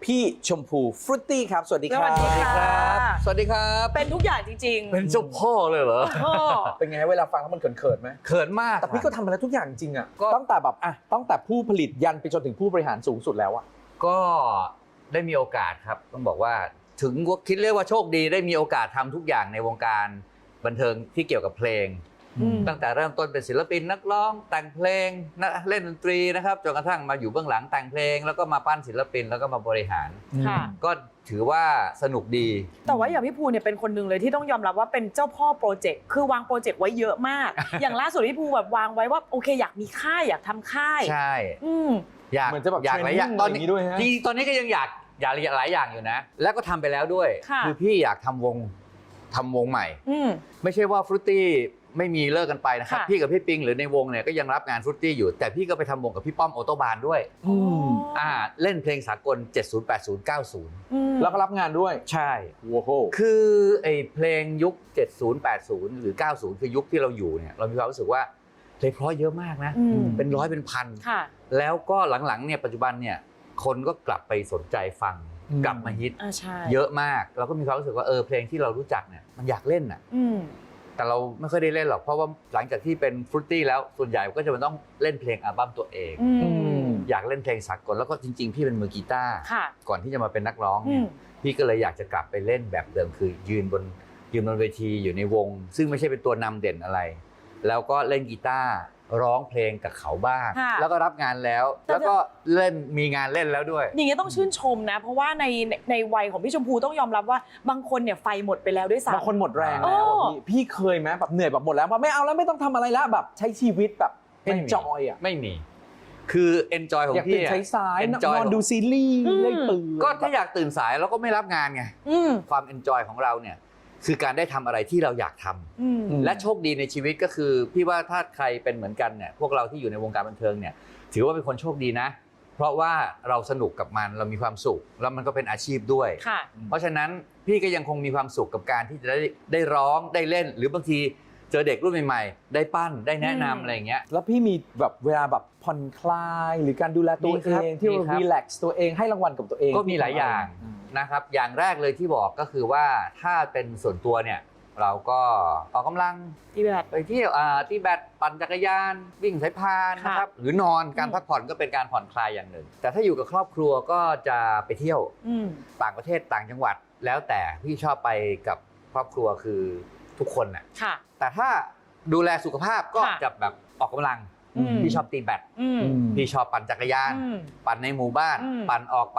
พี่ชมพูฟรุตตี้ครับสวัสดีครับสวัสดีครับสวัสดีครับเป็นทุกอย่างจริงๆเป็นเจ้าพ่อเลยเหรอพ่อเป็นไงเวลาฟังแล้วมันเขินๆไหมเขินมากแต่พี่ก็ทำมาแล้วทุกอย่างจริงอ่ะก็ตั้งแต่แบบตั้งแต่ผู้ผลิตยันไปจนถึงผู้บริหารสูงสุดแล้วอ่ะก็ได้มีโอกาสครับต้องบอกว่าถึงคิดเรียกว่าโชคดีได้มีโอกาสทำทุกอย่างในวงการบันเทิงที่เกี่ยวกับเพลง ตั้งแต่เริ่มต้นเป็นศิลปินนักร้องแต่งเพลงเล่นดนตรีนะครับจนกระทั่งมาอยู่เบื้องหลังแต่งเพลงแล้วก็มาปั้นศิลปินแล้วก็มาบริหารค่ะก็ถือว่าสนุกดีแต่ว่าอย่างพี่ภูเนี่ยเป็นคนหนึ่งเลยที่ต้องยอมรับว่าเป็นเจ้าพ่อโปรเจกต์คือวางโปรเจกต์ไว้เยอะมาก อย่างล่าสุดพี่ภูแบบวางไว้ว่าโอเคอยากมีค่ายอยากทำค่ายใช่อืมอยากเหมือนจะแบบอยากหลายอย่าง training ตอนนี้อะไรอย่างนี้ด้วยฮะจริงๆตอนนี้ก็ยังอยากหลายอย่างอยู่นะ แล้วก็ทำไปแล้วด้วยค่ะอพี่อยากทำวงใหม่อืมไม่ใช่ว่าฟรุตตี้ไม่มีเลิกกันไปนะครับค่ะพี่กับพี่ปิงหรือในวงเนี่ยก็ยังรับงานฟรุตตี้อยู่ แต่พี่ก็ไปทำวงกับพี่ป้อมโอโตบานด้วยอืมเล่นเพลงสากล 70 80 90 อืมแล้วก็รับงานด้วยใช่โว้โหคือไอ้เพลงยุค 70 80 หรือ 90 คือยุคที่เราอยู่เนี่ยเรามีความรู้สึกว่าเพลงเพราะเยอะมากนะอืมเป็นร้อยเป็นพันค่ะแล้วก็หลังๆเนี่ยปัจจุบันเนี่ยคนก็กลับไปสนใจฟังอืมกลับมาฮิตใช่เยอะมากเราก็มีความรู้สึกว่าเพลงที่เรารู้จักเนี่ยมันอยากเล่นอ่ะอืมแต่เราไม่ค่อยได้เล่นหรอกเพราะว่าหลังจากที่เป็นฟรุตตี้แล้วส่วนใหญ่ก็จะมันต้องเล่นเพลงอัลบั้มตัวเองอืมอยากเล่นเพลงสากลแล้วก็จริงๆ พี่เป็นมือกีตาร์ค่ะก่อนที่จะมาเป็นนักร้องอืเนี่ยมพี่ก็เลยอยากจะกลับไปเล่นแบบเดิมคือยืนบนเวทีอยู่ในวง ซึ่งไม่ใช่เป็นตัวนำเด่นอะไร แล้วก็เล่นกีตาร์ร้องเพลงกับเขาบ้างค่ะแล้วก็รับงานแล้ว แล้วก็เล่นมีงานเล่นแล้วด้วยอย่างเงี้ยต้องชื่นชมนะ เพราะว่าในวัยของพี่ชมพูต้องยอมรับว่าบางคนเนี่ยไฟหมดไปแล้วด้วยซ้ำบางคนหมดแรงแล้วอะพี่เคยไหมแบบเหนื่อยแบบหมดแล้วว่าไม่เอาแล้วไม่ต้องทำอะไรแล้วแบบใช้ชีวิตแบบไม่มี enjoy อ่ะไม่มี คือ enjoy ของอยากพี่ตื่นใช้สาย enjoy นอนดูซีรีส์เล่นปืนก็ถ้าอยากตื่นสายเราก็ไม่รับงานไงอืมความ enjoy ของเราเนี่ยคือการได้ทำอะไรที่เราอยากทำอืมและโชคดีในชีวิตก็คือพี่ว่าถ้าใครเป็นเหมือนกันเนี่ยพวกเราที่อยู่ในวงการบันเทิงเนี่ยถือว่าเป็นคนโชคดีนะ เพราะว่าเราสนุกกับมันเรามีความสุขแล้วมันก็เป็นอาชีพด้วยค่ะเพราะฉะนั้นพี่ก็ยังคงมีความสุขกับการที่จะได้ร้องได้เล่น หรือบางทีเจอเด็กรุ่นใหม่ๆได้ปั้นได้แนะนำอะไรอย่างเงี้ยแล้วพี่มีแบบเวลาแบบผ่อนคลายหรือการดูแลตัวมีเอครับงที่มีครับรีแลกซ์ตัวเองให้รางวัลกับตัวเองก็มีหลายอย่างนะครับอย่างแรกเลยที่บอกก็คือว่าถ้าเป็นส่วนตัวเนี่ยเราก็ออกกำลังอีแบบไปเที่ยวที่แบดปั่นจักรยานวิ่งสายพานนะครับหรือนอนการพักผ่อนก็เป็นการผ่อนคลายอย่างหนึ่ง แต่ถ้าอยู่กับครอบครัวก็จะไปเที่ยวอืมต่างประเทศต่างจังหวัด แล้วแต่พี่ชอบไปกับครอบครัวคือทุกคนน่ะค่ะแต่ถ้าดูแลสุขภาพก็ค่ะจะแบบออกกำลังอืมพี่ชอบตีแบดอืมพี่ชอบปั่นจักรยานอืมปั่นในหมู่บ้านอืมปั่นออกไป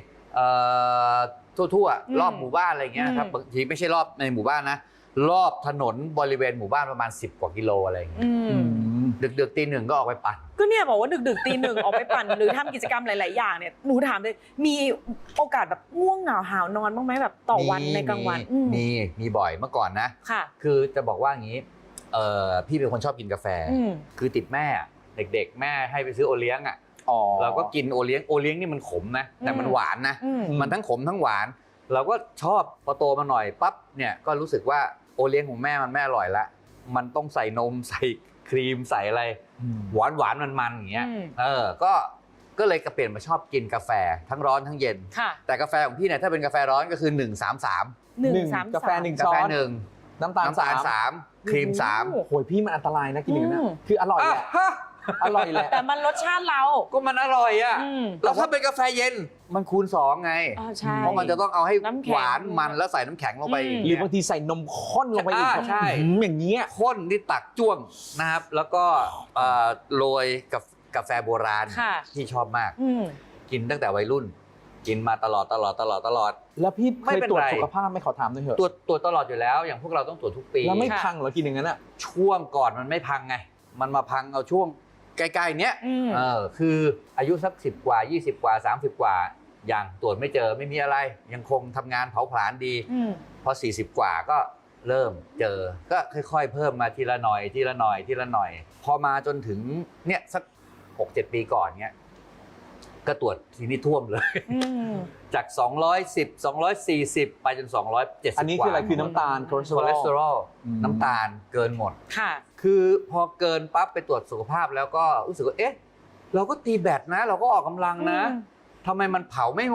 ทั่วอืมๆรอบหมู่บ้านอะไรเงี้ยครับอืมบางทีไม่ใช่รอบในหมู่บ้านนะรอบถนนบริเวณหมู่บ้านประมาณ10 กว่ากิโลอะไรอย่างเงี้ยอือืมมดึกๆตีหนึ่งก็ออกไปปั่นก็เนี่ยบอกว่าดึกๆตีหนึ่งออกไปปั่น หรือทำกิจกรรมหลาย ๆ อย่างเนี่ยหนูถามเลยมีโอกาสแบบง่วงเหงาหาวนอนบ้างไหมแบบต่อวันในกลางวันอืมมีบ่อยเมื่อก่อนนะค่ะคือจะบอกว่าอย่างนี้พี่เป็นคนชอบกินกาแฟอืมคือติดแม่อะเด็กๆ แม่ให้ไปซื้อโอเลี้ยงอ่ะอ๋อเราก็กินโอเลี้ยงนี่มันขมนะแต่มันอืมหวานนะอืมมันทั้งขมทั้งหวาน เราก็ชอบพอโตมาหน่อยปั๊บเนี่ยก็รู้สึกว่าโอเลี้ยงของแม่มันไม่อร่อยละมันต้องใส่นมใส่ครีมใส่อะไร หวานมันอย่างเงี้ยอืมก็เลยเปลี่ยนมาชอบกินกาแฟทั้งร้อนทั้งเย็นค่ะแต่กาแฟของพี่เนี่ยถ้าเป็นกาแฟร้อนก็คือ133 หนึ่งสามกาแฟหนึ่งกาช้อแฟน 1 น้ำตาลน้ำตาล 3 3ครีม3 โอ้โหพี่มันอันตรายนะกินอย่างนั้นอืมนะคืออร่อยแหละฮะอร่อยแหละแต่มันรสชาติเราก็มันอร่อยอ่ะอืมแล้วถ้าเป็นกาแฟเย็นมันคูณ2ไงใช่เพราะมันจะต้องเอาให้น้ำแข็งหวานมันแล้วใส่น้ำแข็งลงไปอืมหรือบางทีใส่นมข้นลงไปอีกใช่อย่างเงี้ยข้นที่ตักจ้วงนะครับ แล้วก็โรยกับกาแฟโบราณค่ะที่ชอบมากอืมกินตั้งแต่วัยรุ่น กินมาตลอดแล้วพี่เคไม่ยเป็นตรวจไรสุขภาพไหม่ขอถามหน่อยเถอะตรวจตลอดอยู่แล้ว อย่างพวกเราต้องตรวจทุกปีแล้วไม่ค่ะพังเหรอกินอย่างนั้นอ่ะช่วงก่อนมันไม่พังไง มันมาพังเอาช่วงใกล้ๆเนี้ยอืมคืออายุสัก10 กว่า 20 กว่า 30 กว่าอย่างตรวจไม่เจอไม่มีอะไร ยังคงทำงานเผาผลาญดีอืมพอ40 กว่าก็เริ่มเจอ ก็ค่อยๆ เพิ่มมาทีละหน่อยทีละหน่อยทีละหน่อย พอมาจนถึงเนี่ยสัก 6-7 ปีก่อนเนี้ยก็ตรวจทีนี้ท่วมเลยอืมจาก210 240 ไปจน270 อันนี้คืออะไรคือน้ำตาลคอเลสเตอคอเลสเตอรรออลลอืมน้ำตาลเกินหมดค่ะคือพอเกินปั๊บไปตรวจสุขภาพแล้วก็รู้สึกว่าเอ๊ะเราก็ตีแบดนะ เราก็ออกกำลังนะอืมทำไมมันเผาไม่หมด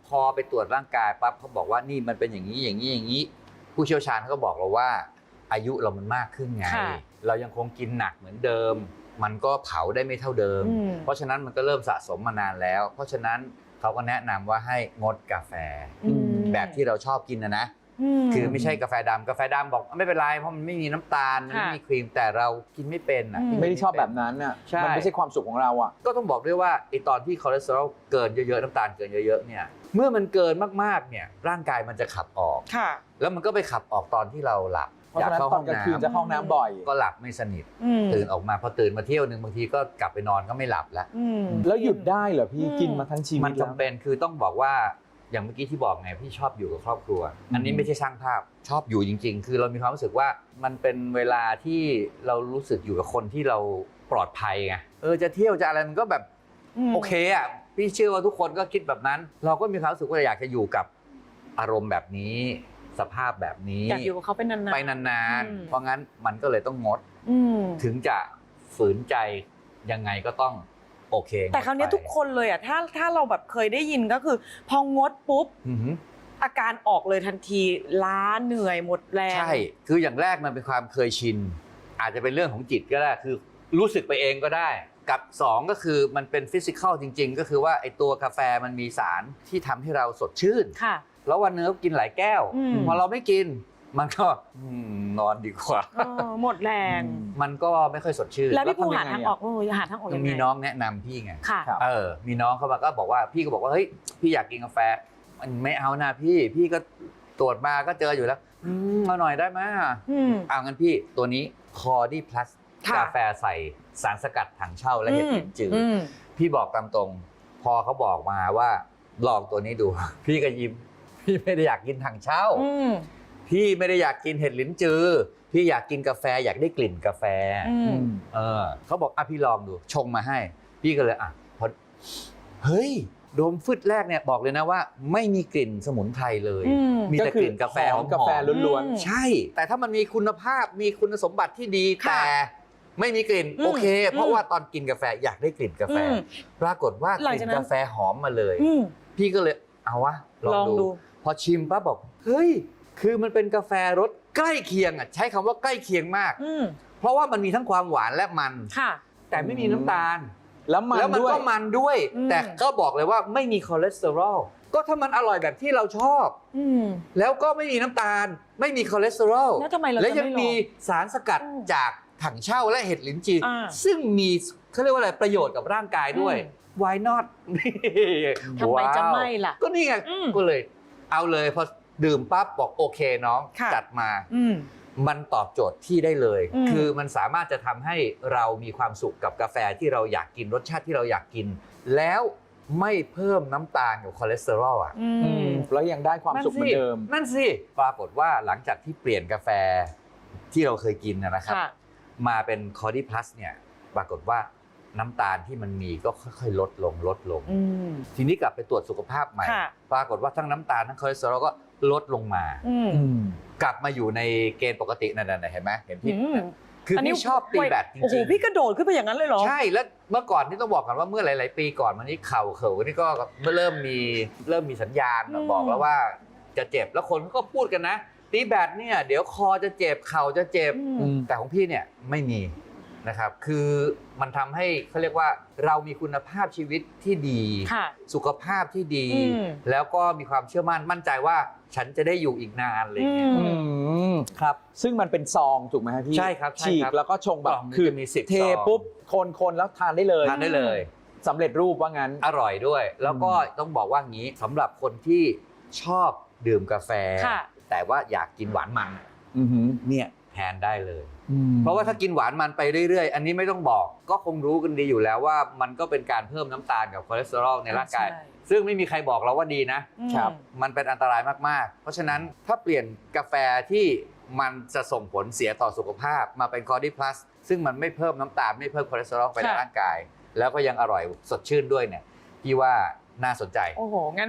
พอไปตรวจร่างกายปั๊บเขาบอกว่านี่มันเป็นอย่างนี้อย่างนี้อย่างนี้ผู้เชี่ยวชาญเขาก็บอกเราว่าอายุเรามันมากขึ้นไงค่ะเรายังคงกินหนักเหมือนเดิม มันก็เผาได้ไม่เท่าเดิม เพราะฉะนั้นมันก็เริ่มสะสมมานานแล้ว เพราะฉะนั้นเขาก็แนะนำว่าให้งดกาแฟ แบบที่เราชอบกินนะ คือไม่ใช่กาแฟดำกาแฟดำบอกไม่เป็นไรเพราะมันไม่มีน้ำตาลมันไม่มีครีมแต่เรากินไม่เป็นอ่ะไม่ได้ชอบแบบนั้นอ่ะใช่มันไม่ใช่ความสุขของเราอ่ะก็ต้องบอกด้วยว่าไอตอนที่คอเลสเตอรอลเกินเยอะๆน้ำตาลเกินเยอะๆเนี่ยเมื่อมันเกินมากๆเนี่ยร่างกายมันจะขับออกค่ะแล้วมันก็ไปขับออกตอนที่เราหลับเพราะฉะนั้นตอนกลางคืนจะเข้าห้องน้ำบ่อยก็หลับไม่สนิทตื่นออกมาพอตื่นมาเที่ยวนึงบางทีก็กลับไปนอนก็ไม่หลับแล้วแล้วหยุดได้เหรอพี่กินมาทั้งชีวิตมันจำเป็นคือต้องบอกว่าอย่างเมื่อกี้ที่บอกไงพี่ชอบอยู่กับครอบครัว อันนี้ไม่ใช่ช่างภาพชอบอยู่จริงๆ คือเรามีความรู้สึกว่ามันเป็นเวลาที่เรารู้สึกอยู่กับคนที่เราปลอดภัยไงจะเที่ยวจะอะไรมันก็แบบโอเคอ่ะพี่เชื่อว่าทุกคนก็คิดแบบนั้น เราก็มีความรู้สึกว่าอยากจะอยู่กับอารมณ์แบบนี้สภาพแบบนี้อยากอยู่กับเขาเป็นนานๆไปนานๆเพราะงั้นมันก็เลยต้องงด ถึงจะฝืนใจยังไงก็ต้องโอเคแต่คราวนี้ทุกคนเลยอ่ะถ้าเราแบบเคยได้ยินก็คือ พองดปุ๊บอาการออกเลยทันทีล้าเหนื่อยหมดแรงใช่คืออย่างแรกมันเป็นความเคยชินอาจจะเป็นเรื่องของจิตก็ได้คือรู้สึกไปเองก็ได้กับ2ก็คือมันเป็นฟิสิกอลจริงๆก็คือว่าไอตัวกาแฟมันมีสารที่ทำให้เราสดชื่นค่ะแล้ววันนึงก็กินหลายแก้วพอเราไม่กินมันก็นอนดีกว่าหมดแรงมันก็ไม่ค่อยสดชื่นแล้วพี่ภูหาทางออกหาทางออกยังไงมีน้องแนะนำพี่ไงค่ะมีน้องเขามาก็บอกว่าพี่ก็บอกว่าเฮ้ยพี่อยากกินกาแฟมันไม่เอานะพี่ก็ตรวจมาก็เจออยู่แล้วเอาหน่อยได้ไหมเอางั้นพี่ตัวนี้คอร์ดี้พลัสกาแฟใส่สารสกัดถังเช่าและเห็ดลิ้นจืดพี่บอกตามตรงพอเขาบอกมาว่าลองตัวนี้ดู พี่ก็ยิ้มพี่ไม่ได้อยากกินถังเช่าพี่ไม่ได้อยากกินเห็ดลิ้นจือพี่อยากกินกาแฟอยากได้กลิ่นกาแฟเขาบอกพี่ลองดูชงมาให้พี่ก็เลยพอเฮ้ยดมฟึดแรกเนี่ยบอกเลยนะว่าไม่มีกลิ่นสมุนไพรเลยมีแต่กลิ่นกาแฟหอมกาแฟล้วนใช่แต่ถ้ามันมีคุณภาพมีคุณสมบัติที่ดีแต่ไม่มีกลิ่นโอเคเพราะว่าตอนกินกาแฟอยากได้กลิ่นกาแฟปรากฏว่ากลิ่นกาแฟหอมมาเลยพี่ก็เลยเอาวะลองดูพอชิมปั๊บบอกเฮ้ยคือมันเป็นกาแฟรสใกล้เคียงใช้คำว่าใกล้เคียงมากเพราะว่ามันมีทั้งความหวานและมันแต่ไม่มีน้ำตาลแล้วมันก็มันด้วยแต่ก็บอกเลยว่าไม่มีคอเลสเตอรอลก็ถ้ามันอร่อยแบบที่เราชอบแล้วก็ไม่มีน้ำตาลไม่มีคอเลสเตอรอลแล้วทำไมเราจะและไม่ยังมีสารสกัดจากถังเช่าและเห็ดลิ้นจี่ซึ่งมีเขาเรียกว่าอะไรประโยชน์กับร่างกายด้วย why not ทำไมจะไม่ล่ะก็นี่ไงก็เลยเอาเลยพอดื่มปั๊บบอกโอเคน้องจัดมามันตอบโจทย์ที่ได้เลยคือมันสามารถจะทำให้เรามีความสุขกับกาแฟที่เราอยากกินรสชาติที่เราอยากกินแล้วไม่เพิ่มน้ำตาลกับคอเลสเตอรอลแล้วยังได้ความสุขเหมือนเดิมนั่นสิปรากฏว่าหลังจากที่เปลี่ยนกาแฟที่เราเคยกินนะครับมาเป็นคอร์ดี้พลัสเนี่ยปรากฏว่าน้ำตาลที่มันมีก็ค่อยๆลดลงทีนี้กลับไปตรวจสุขภาพใหม่ปรากฏว่าทั้งน้ำตาลทั้งคอเลสเตอรอลก็ลดลงมากลับมาอยู่ในเกณฑ์ปกตินั่นๆเห็นไหมเห็นพี่คือพี่ชอบตีแบดจริงๆโอ้โหพี่กระโดดขึ้นไปอย่างนั้นเลยเหรอใช่แล้วเมื่อก่อนที่ต้องบอกก่อนว่าเมื่อหลายๆปีก่อนมันนี้เข่านี่ก็เริ่มมีสัญญาณบอกแล้วว่าจะเจ็บแล้วคนก็พูดกันนะตีแบดเนี่ยเดี๋ยวคอจะเจ็บเข่าจะเจ็บแต่ของพี่เนี่ยไม่มีนะครับคือมันทำให้เขาเรียกว่าเรามีคุณภาพชีวิตที่ดีสุขภาพที่ดีแล้วก็มีความเชื่อมั่นใจว่าฉันจะได้อยู่อีกนานอะไรอย่างเงี้ยครับซึ่งมันเป็นซองถูกไหมครับพี่ใช่ครับฉีกแล้วก็ชงแบบคือมี10 เทปุ๊บคนแล้วทานได้เลยสำเร็จรูปว่างั้นอร่อยด้วยแล้วก็ต้องบอกว่างี้สำหรับคนที่ชอบดื่มกาแฟแต่ว่าอยากกินหวานมันเนี่ยแทนได้เลยเพราะว่าถ้ากินหวานมันไปเรื่อยๆอันนี้ไม่ต้องบอกก็คงรู้กันดีอยู่แล้วว่ามันก็เป็นการเพิ่มน้ำตาลกับคอเลสเตอรอลในร่างกายซึ่งไม่มีใครบอกเราว่าดีนะครับมันเป็นอันตรายมากๆเพราะฉะนั้นถ้าเปลี่ยนกาแฟที่มันจะส่งผลเสียต่อสุขภาพมาเป็นคอร์ดี้พลัสซึ่งมันไม่เพิ่มน้ำตาลไม่เพิ่มคอเลสเตอรอลไปในร่างกายแล้วก็ยังอร่อยสดชื่นด้วยเนี่ยพี่ว่าน่าสนใจโอ้โหงั้น